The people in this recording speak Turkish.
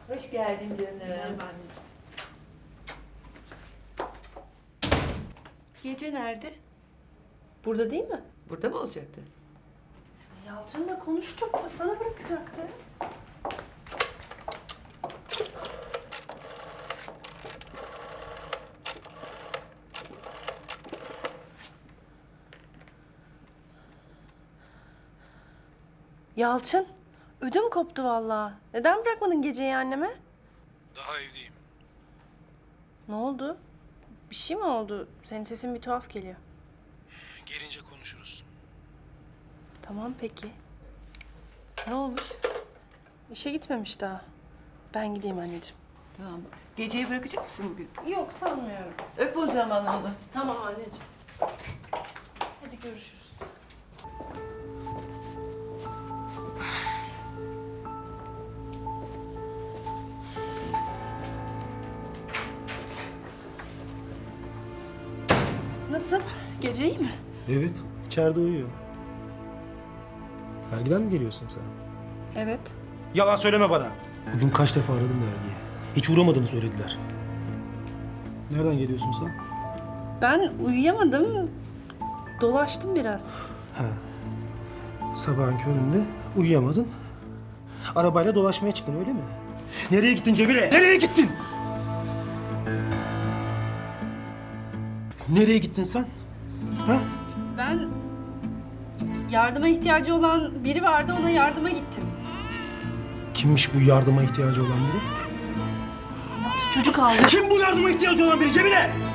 Hoş geldin canım. Merhaba anneciğim. Gece nerede? Burada değil mi? Burada mı olacaktı? Yalçın'la konuştuk. Sana bırakacaktı. Yalçın, ödüm koptu vallahi. Neden bırakmadın geceyi anneme? Daha evdeyim. Ne oldu? Bir şey mi oldu? Senin sesin bir tuhaf geliyor. Gelince konuşuruz. Tamam peki. Ne olmuş? İşe gitmemiş daha. Ben gideyim anneciğim. Tamam. Geceyi bırakacak mısın bugün? Yok sanmıyorum. Öp o zaman onu. Tamam anneciğim. Hadi görüşürüz. Nasıl? Gece iyi mi? Evet, içeride uyuyor. Dergiden mi geliyorsun sen? Evet. Yalan söyleme bana. Bugün kaç defa aradım dergiye. Hiç uğramadığını söylediler. Nereden geliyorsun sen? Ben uyuyamadım. Dolaştım biraz. Ha. Sabahın köründe uyuyamadın. Arabayla dolaşmaya çıktın öyle mi? Nereye gittin Cemile? Nereye gittin? Nereye gittin sen? Ha? Ben yardıma ihtiyacı olan biri vardı, ona yardıma gittim. Kimmiş bu yardıma ihtiyacı olan biri? Çocuk aldı. Kim bu yardıma ihtiyacı olan biri Cemile?